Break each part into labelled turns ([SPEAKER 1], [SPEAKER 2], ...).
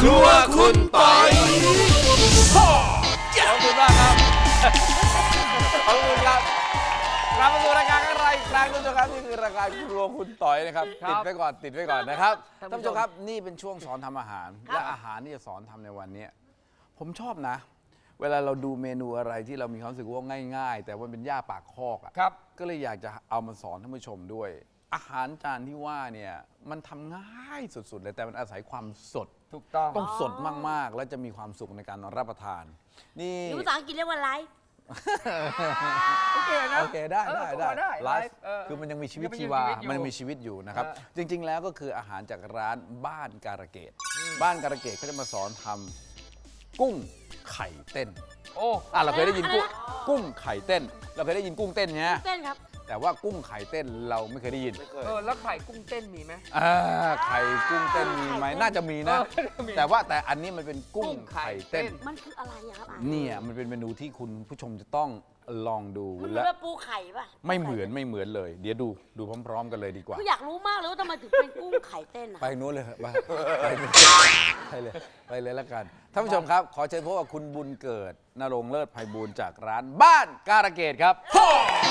[SPEAKER 1] ครัวคุณปอย
[SPEAKER 2] ขอบคุณมากครับขอบคุณครับกลับมาสู่รายการอะไรอีกครั้งท่านผู้ชมครับนี่คือรายการครัวคุณต่อยนะครับติดไว้ก่อนนะครับท่านผู้ชมครับนี่เป็นช่วงสอนทำอาหารและอาหารที่จะสอนทำในวันนี้ผมชอบนะเวลาเราดูเมนูอะไรที่เรามีความรู้สึกว่าง่ายๆแต่ว่าเป็นย่าปากคอกอ่ะก็เลยอยากจะเอามาสอนท่านผู้ชมด้วยอาหารจานที่ว่าเนี่ยมันทำง่ายสุดๆเลยแต่มันอาศัยความสด
[SPEAKER 3] ถูกต้อง
[SPEAKER 2] สดมากๆแล้วจะมีความสุขในการรับประทานนี่
[SPEAKER 4] ภาษาอังกฤษเรียกว่าไลฟ์
[SPEAKER 3] โอเคนะ
[SPEAKER 2] โอเคได้
[SPEAKER 3] ไล
[SPEAKER 2] ไล
[SPEAKER 3] ฟ์
[SPEAKER 2] ฟ์คือมันยังมีชีวิตชีวามันมีชีวิตอยู่นะครับจริงๆแล้วก็คืออาหารจากร้านบ้านการะเกดบ้านการะเกดเขาจะมาสอนทำกุ้งไข่เต้นเราเคยได้ยินกุ้งไข่เต้นเราเคยได้ยินกุ้งเต้นไง
[SPEAKER 4] เต้นครับ
[SPEAKER 2] แต่ว่ากุ้งไข่เต้นเราไม่เคยได้ยิน
[SPEAKER 3] แล้วไข่กุ้งเต้นมีไหม
[SPEAKER 2] ไข่กุ้งเต้นมีไหมน่าจะมีนะแต่อันนี้มันเป็นกุ้งไข่เต้น
[SPEAKER 4] มันคืออะไรครับ
[SPEAKER 2] เนี่ยมันเป็นเมนูที่คุณผู้ชมจะต้องลองดู
[SPEAKER 4] มันเหมือนปูไข่ป่ะ
[SPEAKER 2] ไม่เหมือนเลยเดี๋ยวดูพร้อมๆกันเลยดีกว่า
[SPEAKER 4] คืออยากรู้มากเลยว่าทำไมถึงเป็นกุ้งไข่เต้น
[SPEAKER 2] ไปนู้นเลยไปเลยแล้วกันท่านผู้ชมครับขอเชิญพบกับคุณบุญเกิดณรงค์เลิศไพบูลย์จากร้านบ้านการะเกดครับส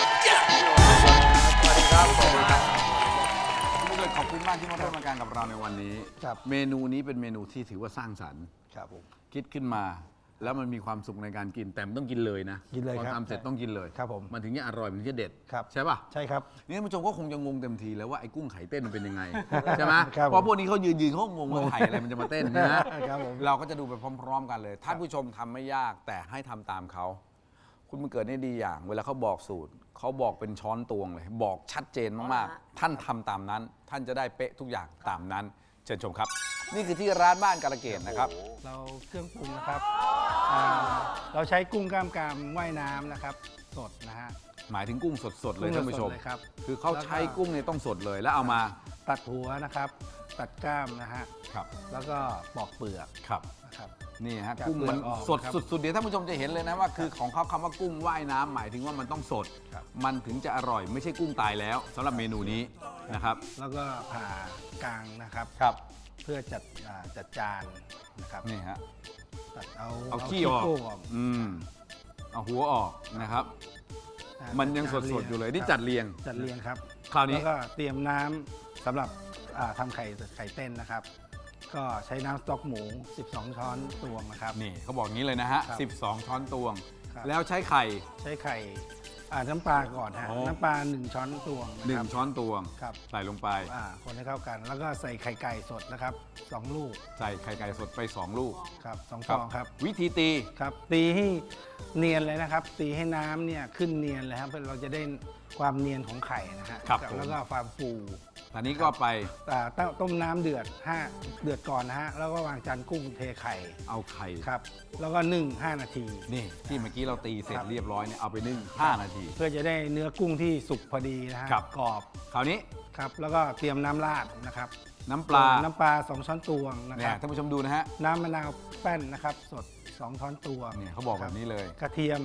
[SPEAKER 2] วัสดีครับคุณบุญเกิดขอบคุณมากที่มาร่วมรายการกับเราในวันนี้เมนูนี้เป็นเมนูที่ถือว่าสร้างสรรค์
[SPEAKER 5] ครับผม
[SPEAKER 2] คิดขึ้นมาแล้วมันมีความสุขในการกินแต่มันต้องกินเลยนะ
[SPEAKER 5] กินเลยครับ
[SPEAKER 2] พอทำเสร็จต้องกินเลย
[SPEAKER 5] ครับผม
[SPEAKER 2] มันถึงจะอร่อยมันถึงจะเด็ดใช่ป่ะ
[SPEAKER 5] ใช่ครับ
[SPEAKER 2] นี่ท่านผู้ชมก็คงจะงงเต็มทีแล้วว่าไอ้กุ้งไข่เต้นมันเป็นยังไงใช่ไหมเพราะพวกนี้เขายืนเขางงว่าไข่อะไรมันจะมาเต้นนะเราก็จะดูไปพร้อมๆกันเลยท่านผู้ชมทำไม่ยากแต่ให้ทำตามเขาคุณมันเกิดได้ดีอย่างเวลาเขาบอกสูตรเขาบอกเป็นช้อนตวงเลยบอกชัดเจนมากๆท่านทำตามนั้นท่านจะได้เป๊ะทุกอย่างตามนั้นเชิญชมครับนี่คือที่ร้านบ้านการะเกดนะครับ
[SPEAKER 5] เราเครื่องปรุงนะครับเราใช้กุ้งกล้ามกรามว่ายน้ำนะครับสดนะฮะ
[SPEAKER 2] หมายถึงกุ้งสดๆเลยท่านผู้ชม
[SPEAKER 5] ครับ
[SPEAKER 2] คือเขาใช้กุ้งเนี่ยต้องสดเลยแล้วเอามา
[SPEAKER 5] ตัดหัวนะครับตัดกล้ามนะฮะ
[SPEAKER 2] ครับ
[SPEAKER 5] แล้วก็ปอกเปลือก
[SPEAKER 2] ครับ
[SPEAKER 5] นะครับ
[SPEAKER 2] นี่ฮะกุ้งมันสดสุดๆเดี๋ยวท่านผู้ชมจะเห็นเลยนะว่าคือของเขาคำว่ากุ้งว่ายน้ำหมายถึงว่ามันต้องสดมันถึงจะอร่อยไม่ใช่กุ้งตายแล้วสำหรับเมนูนี้นะครับ
[SPEAKER 5] แล้วก็ผ่ากลางนะครับเพื่อจัดจานนะครับ
[SPEAKER 2] นี่ฮะ
[SPEAKER 5] ตัด
[SPEAKER 2] เอาขี้ออกเอาหัวออกนะครับมันยังสดๆอยู่เลยที่จัดเรียง
[SPEAKER 5] ครับ
[SPEAKER 2] คราวนี้
[SPEAKER 5] แล้วก็เตรียมน้ำสำหรับทำไข่เต้นนะครับก็ใช้น้ำสต๊อกหมู12ช้อนตวงนะครับ
[SPEAKER 2] นี่เขาบอกงี้เลยนะฮะ12ช้อนตวงแล้วใช้ไข่
[SPEAKER 5] น้ำปลาก่อนฮะน้ำปลา1ช้อนตวง
[SPEAKER 2] 1ช้อนตวงใส่ลงไป
[SPEAKER 5] คนให้เข้ากันแล้วก็ใส่ไข่ไก่สดนะครับ2ลูก
[SPEAKER 2] ใส่ไข่ไก่สดไป2ลูก
[SPEAKER 5] ครับ2ฟองครับ
[SPEAKER 2] วิธีตี
[SPEAKER 5] ครับตีให้เนียนเลยนะครับตีให้น้ำเนี่ยขึ้นเนียนเลยครับเพื่อเราจะได้ความเนียนของไข่นะฮะแล้วก็ความฟู
[SPEAKER 2] อันนี้ก็ไป
[SPEAKER 5] ต้มน้ำเดือดก่อนนะฮะแล้วก็วางจานกุ้งเทไข่
[SPEAKER 2] เอาไข่
[SPEAKER 5] ครับแล้วก็นึ่ง5นาที
[SPEAKER 2] นี่ที่เมื่อกี้เราตีเสร็จเรียบร้อยเนี่ยเอาไปนึ่ง5นาที
[SPEAKER 5] เพื่อจะได้เนื้อกุ้งที่สุกพอดีนะฮะกรอบ
[SPEAKER 2] คราวนี้
[SPEAKER 5] ครับแล้วก็เตรียมน้ำราดนะครับ
[SPEAKER 2] น้ำปลา
[SPEAKER 5] 2ช้อนตวงนะครับ
[SPEAKER 2] ท่านผู้ชมดูนะฮะ
[SPEAKER 5] น้ำมะนาวแป้นนะครับสด2ช้อนตวง
[SPEAKER 2] เนี่ยเขาบอกแบบนี้เลย
[SPEAKER 5] กระเทียม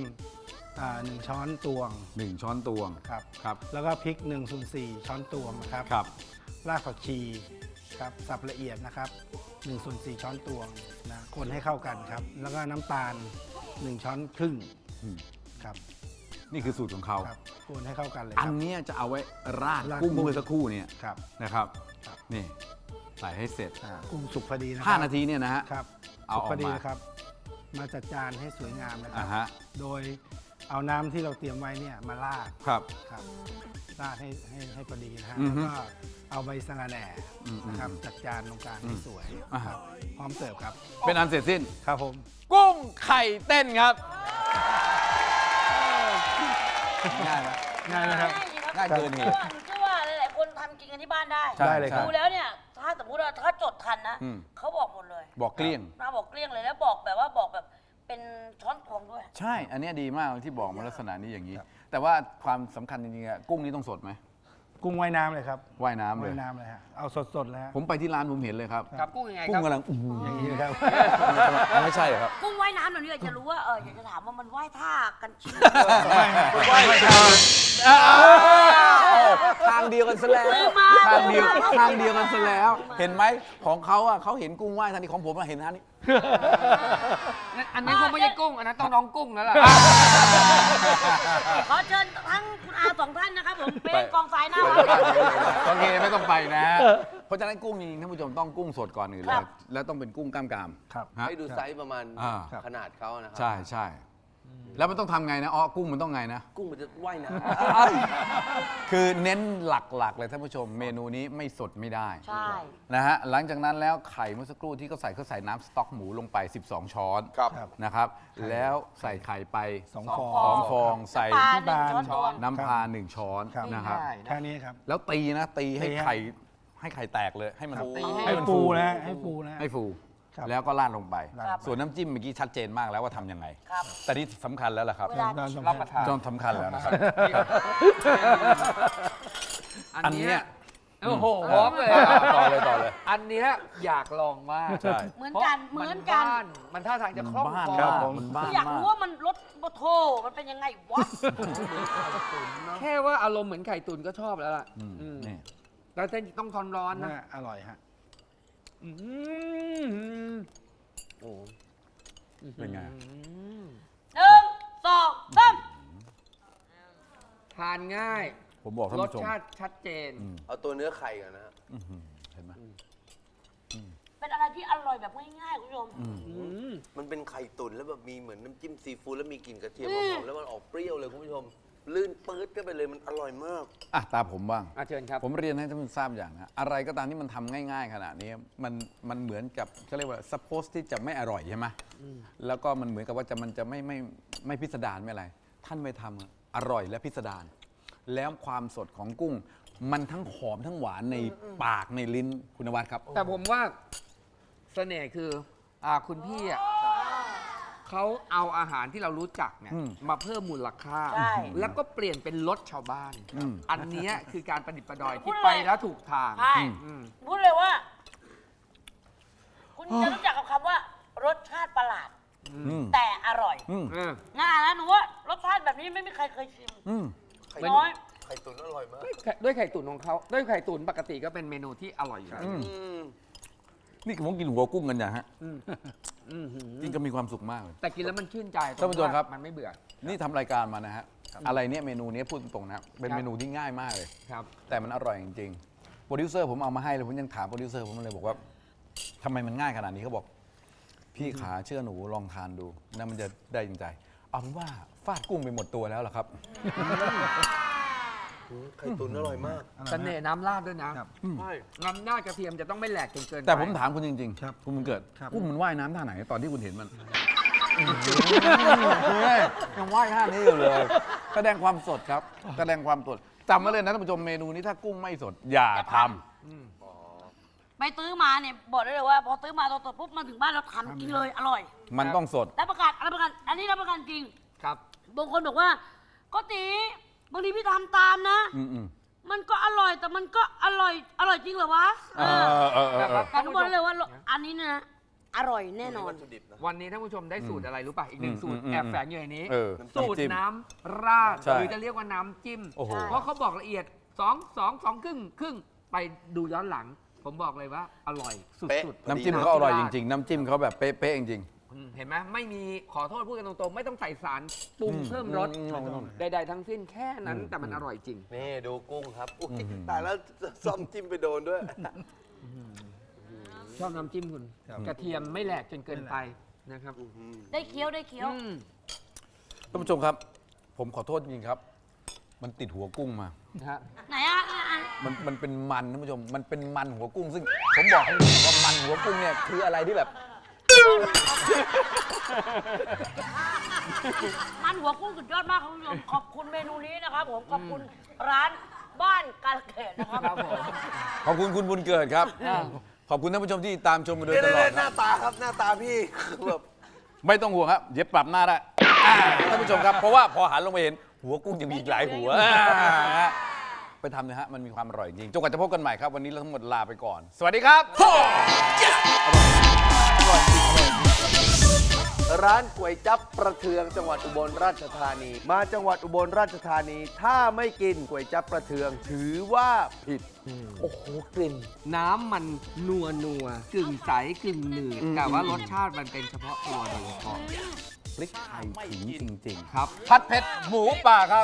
[SPEAKER 5] 1ช้อนตวง
[SPEAKER 2] 1ช้อนตวง
[SPEAKER 5] ครับแล้วก็พริก1/4ช้อนตวงนะครับรากผักชีครับสับละเอียดนะครับ1/4ช้อนตวงนะคนให้เข้ากันครับแล้วก็น้ำตาล1ช้อนครึ่งครับ
[SPEAKER 2] นี่คือสูตรของเขา
[SPEAKER 5] คนให้เข้ากันเลย
[SPEAKER 2] อันนี้จะเอาไว้ราดกุ้งเมื่อสักครู่เนี่ยนะครับนี่ใส่ให้เสร็จ
[SPEAKER 5] กุ้งสุกพอดีนะ
[SPEAKER 2] 5นาทีเนี่ยนะฮะ
[SPEAKER 5] เอาพอดีนะครับมาจัดจานให้สวยงามนะครับโดยเอาน้ำที่เราเตรียมไว้เนี่ยมาราดราดให้พอดีนะฮะแล้วก็เอาใบสะระแหน่นะครับจัดจานตรงกลางให้สวยครับพร้อมเสิร์ฟครับ
[SPEAKER 2] เป็นอันเสร็จสิ้น
[SPEAKER 5] ครับผม
[SPEAKER 2] กุ้งไข่เต้นครับง่ายไหม
[SPEAKER 5] ครับ
[SPEAKER 2] ง่ายเกินเหตุ
[SPEAKER 4] เชื่อว่าหลายๆคนทำกินกันที่บ้านได้
[SPEAKER 5] เลยครับ
[SPEAKER 4] ดูแล้วเนี่ยถ้าสมมติว่าถ้าจดทันนะเขาบอกหมดเลย
[SPEAKER 2] บอกเกลี้ยง
[SPEAKER 4] บอกเกลี้ยงเลยแล้วบอกแบบเป็นช้อนตวงด้วย
[SPEAKER 2] ใช่อันนี้ดีมากที่บอกมาลักษณะนี้อย่างนี้แต่ว่าความสำคัญจริงๆกุ้งนี้ต้องสดไหม
[SPEAKER 5] กุ้งว่ายน้ำเลยครับ
[SPEAKER 2] ว่ายน้ำเลย
[SPEAKER 5] ฮะเอาสดๆเลยฮะ
[SPEAKER 2] ผมไปที่ร้านผมเห็นเลยครับ
[SPEAKER 3] กุ้งยังไง
[SPEAKER 2] กุ้งกำลัง
[SPEAKER 5] อย่างนี้ครับ
[SPEAKER 2] ไม่ใช่ครับ
[SPEAKER 4] กุ้งว่ายน้ำเราเนี่ยอยากจะรู้ว่าอยากจะถามว่ามันว่ายท่ากันจริง
[SPEAKER 2] ว่ายท่าทางเดียวกันซะแล้วทางเดียวกันซะแล้ว เห็นไหมของเขาอ่ะเขาเห็นกุ้งว่ายทันทีของผมอะเห็นทันนี้
[SPEAKER 3] อันนี้คงไม่ใช่กุ้ง อันนั้นต้องน้องกุ้งแล้วล่ะ
[SPEAKER 4] ขอเชิญทั้งคุณอาสองท่านนะครับผมเป็นกองสายหน้า
[SPEAKER 2] โอเคไม่ต้องไปนะ เพราะฉะนั้นกุ้งจริงๆท่านผู้ชมต้องกุ้งสดก่อนอื่นเล
[SPEAKER 4] ครั
[SPEAKER 2] ย
[SPEAKER 4] บ
[SPEAKER 2] แล้วต้องเป็นกุ้งกล้ามกราม
[SPEAKER 5] ครับ
[SPEAKER 2] ฮะ
[SPEAKER 1] ให้ดูไซส์ประมาณ
[SPEAKER 2] อ่า
[SPEAKER 1] ขนาดเขานะครั
[SPEAKER 2] ใช่ใช่แล้วมันต้องทำไงนะอ๋อกุ้งมันต้องไงนะ
[SPEAKER 1] กุ้งมันจะว่ายน้
[SPEAKER 2] คือเน้นหลักๆเลยท่านผู้ชมเมนูนี้ไม่สดไม่ได้
[SPEAKER 4] ใช่
[SPEAKER 2] นะฮะหลังจากนั้นแล้วไข่เมื่อสักครู่ที่เขาใส่น้ำสต๊อกหมูลงไป 12 ช้อน
[SPEAKER 1] ครับ
[SPEAKER 2] นะครับ แล้วใส่ไข่ไป
[SPEAKER 5] 2 ฟ
[SPEAKER 4] ส
[SPEAKER 5] อ
[SPEAKER 4] อง
[SPEAKER 2] 2 ฟองใส่
[SPEAKER 4] ปลาหนึ่งช้อนตวง
[SPEAKER 2] น้ำปลา1 ช้อน
[SPEAKER 5] ครับ
[SPEAKER 2] นะครับ
[SPEAKER 3] ง่ายๆนะ
[SPEAKER 5] แค่นี้ครับ
[SPEAKER 2] แล้วตีนะตีให้
[SPEAKER 5] ตีฮะ
[SPEAKER 2] ไข่แตกเลยให้มัน
[SPEAKER 3] ตี
[SPEAKER 2] ให้มัน
[SPEAKER 5] ฟูนะให้ฟูนะ
[SPEAKER 2] ให้ฟู
[SPEAKER 5] ครับ
[SPEAKER 2] แล้วก็ราดลงไป
[SPEAKER 5] ครับ
[SPEAKER 2] ส่วนน้ำจิ้มเมื่อกี้ชัดเจนมากแล้วว่าทำยังไง
[SPEAKER 4] ครับ
[SPEAKER 2] แต่ที่สำคัญแล้วล่ะครับ
[SPEAKER 4] เวลา
[SPEAKER 3] รับประทาน
[SPEAKER 2] จนสำคัญแล้วนะครับ
[SPEAKER 3] อันเนี้ยโอ้โหพร้อมเลย
[SPEAKER 2] ต่อเลย
[SPEAKER 3] อันเนี้ยอยากลองมาก
[SPEAKER 2] ใช่
[SPEAKER 4] เหมือนกันเหมือนกัน
[SPEAKER 3] บ้ามันท่าทางจะคล่อง
[SPEAKER 2] บ้าน
[SPEAKER 3] คอ
[SPEAKER 2] ครับผมมันบ้าน
[SPEAKER 4] อยาก
[SPEAKER 2] มาก
[SPEAKER 4] รู้ว่ามันรสโบโทมันเป็นยังไงวะ
[SPEAKER 3] แค่ว่าอารมณ์เหมือนไข่ตุ๋นก็ชอบแล้วล่ะ
[SPEAKER 2] อืม
[SPEAKER 3] อืม
[SPEAKER 2] นี่
[SPEAKER 3] แล้วเส้นต้องทอนร้อนนะ
[SPEAKER 5] น่าอร่อยฮะ
[SPEAKER 3] อืม
[SPEAKER 1] ำโอ้
[SPEAKER 2] เป็นไง
[SPEAKER 4] หนึ่งสองสาม
[SPEAKER 3] ทานง่าย
[SPEAKER 2] ผมบอกท่าน
[SPEAKER 3] รส
[SPEAKER 2] ผู้ชม
[SPEAKER 3] ชาติชัดเจน
[SPEAKER 1] เอาตัวเนื้อไข่ก่อนนะฮะ
[SPEAKER 2] อื้อหือเห็นไหม
[SPEAKER 4] เป็นอะไรที่อร่อยแบบง่ายๆคุณผู้ชม
[SPEAKER 1] มันเป็นไข่ตุ๋นแล้วแบบมีเหมือนน้ำจิ้มซีฟู้ดแล้วมีกลิ่นกระเทียมหอมๆแล้วมันออกเปรี้ยวเลยคุณผู้ชม ลื่นปื๊ดก็ไปเลยมันอร่อยมาก
[SPEAKER 2] อ่ะตาผมบ้าง
[SPEAKER 3] เชิญครับ
[SPEAKER 2] ผมเรียนให้ท่านผู้ชมทราบอย่างนะอะไรก็ตามที่มันทำง่ายๆขนาดนี้มันเหมือนกับเขาเรียกว่า suppose ที่จะไม่อร่อยใช่ไหมแล้วก็มันเหมือนกับว่ามันจะไม่พิสดารไม่อะไร ท่านไม่ทำอะอร่อยและพิสดารแล้วความสดของกุ้ง มันทั้งหอมทั้งหวานในปากในลิ้นคุณนวัดครับ
[SPEAKER 3] แต่ผมว่าเสน่ห์คือคุณพี่อ่ะเขาเอาอาหารที่เรารู้จักเนี่ย
[SPEAKER 2] อืม
[SPEAKER 3] มาเพิ่มมูลค่า
[SPEAKER 4] ใช่
[SPEAKER 3] แล้วก็เปลี่ยนเป็นรสชาวบ้าน
[SPEAKER 2] อืม
[SPEAKER 3] อันเนี้ยคือการประดิษฐ์ประดอย
[SPEAKER 4] พู
[SPEAKER 3] ที่
[SPEAKER 4] ดเลย
[SPEAKER 3] ไปแล้วถูกทาง
[SPEAKER 4] ใช่
[SPEAKER 3] อืม
[SPEAKER 4] พูดเลยว่า คุณจะรู้จักกับคำว่า รสชาติประหลาด
[SPEAKER 2] อืม
[SPEAKER 4] แต่อร่อย
[SPEAKER 2] อืม
[SPEAKER 3] เออ
[SPEAKER 4] ง่ายนะหนูว่ารสชาติแบบนี้ไม่มีใครเคยชิม
[SPEAKER 2] อืม
[SPEAKER 4] น้อย
[SPEAKER 1] ไข่ตุ๋นอร่อยมาก
[SPEAKER 3] ด้วยไข่ตุ๋นของเขาด้วยไข่ตุ๋นปกติก็เป็นเมนูที่อร่อยอยู่แล้ว
[SPEAKER 2] อืม
[SPEAKER 1] อืม
[SPEAKER 2] นี่ผมกินหัวกุ้งกันอย่างฮะ
[SPEAKER 3] อืมหือ
[SPEAKER 2] กินก็มีความสุขมากเลย
[SPEAKER 3] แต่กินแล้วมันชื่นใจ
[SPEAKER 2] ท่านผู้ชมครับ
[SPEAKER 3] มันไม่เบื่อ
[SPEAKER 2] นี่ทำรายการมานะฮะอะไรเนี่ยเมนูนี้พูดตรงๆนะเป็น
[SPEAKER 3] ครับ
[SPEAKER 2] เมนูที่ง่ายมากเลย
[SPEAKER 3] ครับ
[SPEAKER 2] แต่มันอร่อยจริงๆโปรดิวเซอร์ผมเอามาให้เลยผมยังถามโปรดิวเซอร์ผมเลยบอกว่าทำไมมันง่ายขนาดนี้เขาบอก พี่ขาเชื่อหนูลองทานดูนะมันจะได้จริงใจเอาเป็นว่าฟาดกุ้งไปหมดตัวแล้วเหรอครับ
[SPEAKER 1] ไข่ตุ๋นอร่อยมาก
[SPEAKER 3] เสน่ห์น้ำราดด้วยนะ
[SPEAKER 5] ครับ
[SPEAKER 1] ใช่
[SPEAKER 3] น้ำราดกระเทียมจะต้องไม่แหลกจนเกินไป
[SPEAKER 2] แต่ผมถามคุณจริง
[SPEAKER 5] ครับ
[SPEAKER 2] คุณบุญเกิด
[SPEAKER 5] ครับ
[SPEAKER 2] กุ้งมันว่ายน้ำท่าไหนตอนที่คุณเห็นมันยังว่ายท่านี้อยู่เลย แสดงความสดครับ แสดงความสดจำไว้เลยนะท่านผู้ชมเมนูนี้ถ้ากุ้งไม่สด อย่าทำ
[SPEAKER 4] ไปซื้อมาเนี่ยบอกได้เลยว่า พอซื้อมาตอนสดปุ๊บมาถึงบ้านเราทำกินเลยอร่อย
[SPEAKER 2] มันต้องสด
[SPEAKER 4] รับประกันรับประกัน อันนี้รับประกันจริง
[SPEAKER 3] ครับ
[SPEAKER 4] บางคนบอกว่าก็ตีบางทีพี่ทำตามนะ
[SPEAKER 2] อืม
[SPEAKER 4] มันก็อร่อยแต่มันก็อร่อยจริงเหรอวะ
[SPEAKER 2] เออเออเออเออ
[SPEAKER 4] แต่ทุกคนเลยว่าอันนี้นะอร่อยแน่นอน
[SPEAKER 1] วัตถุดิบนะ
[SPEAKER 3] วันนี้ท่านผู้ชมได้สูตรอะไรรู้ป่ะ อีกหนึ่งสูตร
[SPEAKER 2] อืม
[SPEAKER 3] แอบแฝงอยู่ในนี้
[SPEAKER 2] เออ
[SPEAKER 3] สูตร
[SPEAKER 2] น้ำจิ้ม
[SPEAKER 3] น้ำราด
[SPEAKER 2] ใช่
[SPEAKER 3] หรือจะเรียกว่าน้ำจิ้ม
[SPEAKER 2] โอ้โห
[SPEAKER 3] เพราะเขาบอกละเอียด2 ครึ่งไปดูย้อนหลัง ผมบอกเลยว่าอร่อยสุ
[SPEAKER 1] เป๊ะ
[SPEAKER 3] ดๆ
[SPEAKER 2] น้ำจิ้มเขาอร่อยจริงๆ น้ำจิ้มเขาแบบเป๊ะๆจริง
[SPEAKER 3] เห็นไหมไม่มีขอโทษพูดกันตรงๆ ไม่ต้องใส่สารปรุง
[SPEAKER 2] อืม
[SPEAKER 3] เพิ่มรส
[SPEAKER 2] ไม่ต้อง
[SPEAKER 3] ใดๆทั้งสิ้นแค่นั้นแต่มันอร่อยจริง
[SPEAKER 1] นี่ดูกุ้งครับอุ๊ยตายแล้วซ่อมจิ้มไปโดนด้วย
[SPEAKER 3] ชอบน้ำจิ้มคุณ
[SPEAKER 5] ครับ
[SPEAKER 3] กระเทียมไม่แหลกจนเกินไปนะครับ
[SPEAKER 4] ได้เคี้ยวได้เคี้ยว
[SPEAKER 3] อืม
[SPEAKER 2] ๆท่านผู้ชมครับ ผมขอโทษจริงๆครับ มันติดหัวกุ้งมา
[SPEAKER 3] นะฮะ
[SPEAKER 4] ไหนอ่ะอ่ะ
[SPEAKER 2] มันเป็นมันท่านผู้ชม มันเป็นมันหัวกุ้ง ซึ่งผมบอกให้คุณว่ามันหัวกุ้งเนี่ยคืออะไรที่แบบ
[SPEAKER 4] มันหัวกุ้งสุดยอดมากครับคุณผู้ชมขอบคุณเมนูนี้นะครับผมขอบคุณร้านบ้านกาลเกตนะครับ
[SPEAKER 3] ครับผม
[SPEAKER 2] ขอบคุณคุณบุญเกิดครับ ขอบคุณท่านผู้ชมที่ตามชมมาโดยตลอด
[SPEAKER 1] ห
[SPEAKER 2] ค
[SPEAKER 1] น้า
[SPEAKER 2] รับ
[SPEAKER 1] ตาครับหน้าตาพี่คือแบบ
[SPEAKER 2] ไม่ต้องห่วงครับ เดี๋ยวปรับหน้าได้ท่านผู้ชมครับ เพราะว่าพอหันลงไปเห็นหัวกุ้งยังมีอีกหลายหัวไปทำนะฮะ มันมีความอร่อยจริงจนกว่าจะพบกันใหม่ครับ วันนี้เราทั้งหมดลาไปก่อน สวัสดีครับ
[SPEAKER 1] ร้านก๋วยจั๊บประเทืองจังหวัดอุบลราชธานี มาจังหวัดอุบลราชธานี ถ้าไม่กินก๋วยจั๊บประเทืองถือว่าผิด โอ้โหกลิ่น
[SPEAKER 3] น้ำมันนัวกึ่งใสกึ่งหนืดแต่ว่ารสชาติมันเป็นเฉพาะตัวโดยเฉพาะ
[SPEAKER 2] พริกไทยถึงจริง
[SPEAKER 3] ครับ
[SPEAKER 2] ๆ ผัดเผ็ดหมูป่าครับ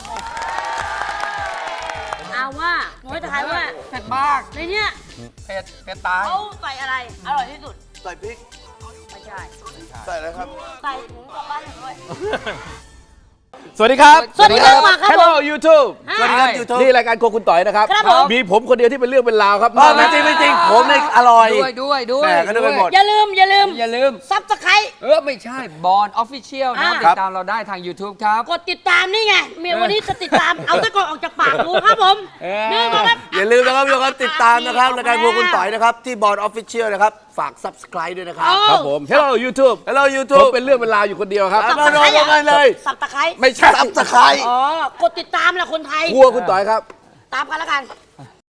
[SPEAKER 4] เอาว่าหนูจะทายว่า
[SPEAKER 3] เผ็ดมาก
[SPEAKER 4] ในเนี้ย
[SPEAKER 3] เผ็ดตาย
[SPEAKER 4] เขาใส่อะไรอร่อยที่สุด
[SPEAKER 1] ใส่พริก
[SPEAKER 4] ไม่ใช่
[SPEAKER 1] ใส่อะไรครับ
[SPEAKER 4] ใส่ถุงกลับบ้านหนูด้วย
[SPEAKER 2] สวัสดีครับ
[SPEAKER 4] สวัสดีครับมาครับ
[SPEAKER 2] Hello YouTube
[SPEAKER 1] สวัสดีครับ YouTube
[SPEAKER 2] นี่รายการโครัวคุณต่อยนะครับ
[SPEAKER 4] ครับผม
[SPEAKER 2] มีผมคนเดียวที่เป็นเรื่องเป็นราวครับ
[SPEAKER 1] ไม่จริงไม่จริงผมเนี่ยอร่อย
[SPEAKER 3] ด้วย
[SPEAKER 1] แหม่ก็นึกไปหมด
[SPEAKER 4] อย่าลืม
[SPEAKER 3] อย่าลืม
[SPEAKER 4] ซับสไครต์
[SPEAKER 3] ไม่ใช่บอลออฟฟิเชียลนะ
[SPEAKER 4] อ่า
[SPEAKER 3] ติดตามเราได้ทาง YouTube ครับ
[SPEAKER 4] กดติดตามนี่ไงเมียวันนี้จะติดตาม เอาตะกอนออกจากปากกูครับผม
[SPEAKER 3] เออ
[SPEAKER 4] นี่ก็ครับ
[SPEAKER 1] อย่าลืมนะครับทุกคนติดตามนะครับรายการพวกคุณต่อยนะครับ ที่บอร์ดออฟฟิเชียลนะครับ ฝาก subscribe ด้วยนะครับ
[SPEAKER 2] ครับผม Hello YouTube
[SPEAKER 1] Hello
[SPEAKER 2] ผม
[SPEAKER 1] YouTube
[SPEAKER 2] เป็นเรื่องเป็นราวอยู่คนเดียวครับ
[SPEAKER 1] มาลงกันเลย
[SPEAKER 4] สับตะไคร้
[SPEAKER 2] ไม่ใช่
[SPEAKER 1] subscribe
[SPEAKER 4] อ๋อกดติดตามแหละคนไทย
[SPEAKER 2] ครัวคุณต่อยครับ
[SPEAKER 4] ตามกันแล้วกัน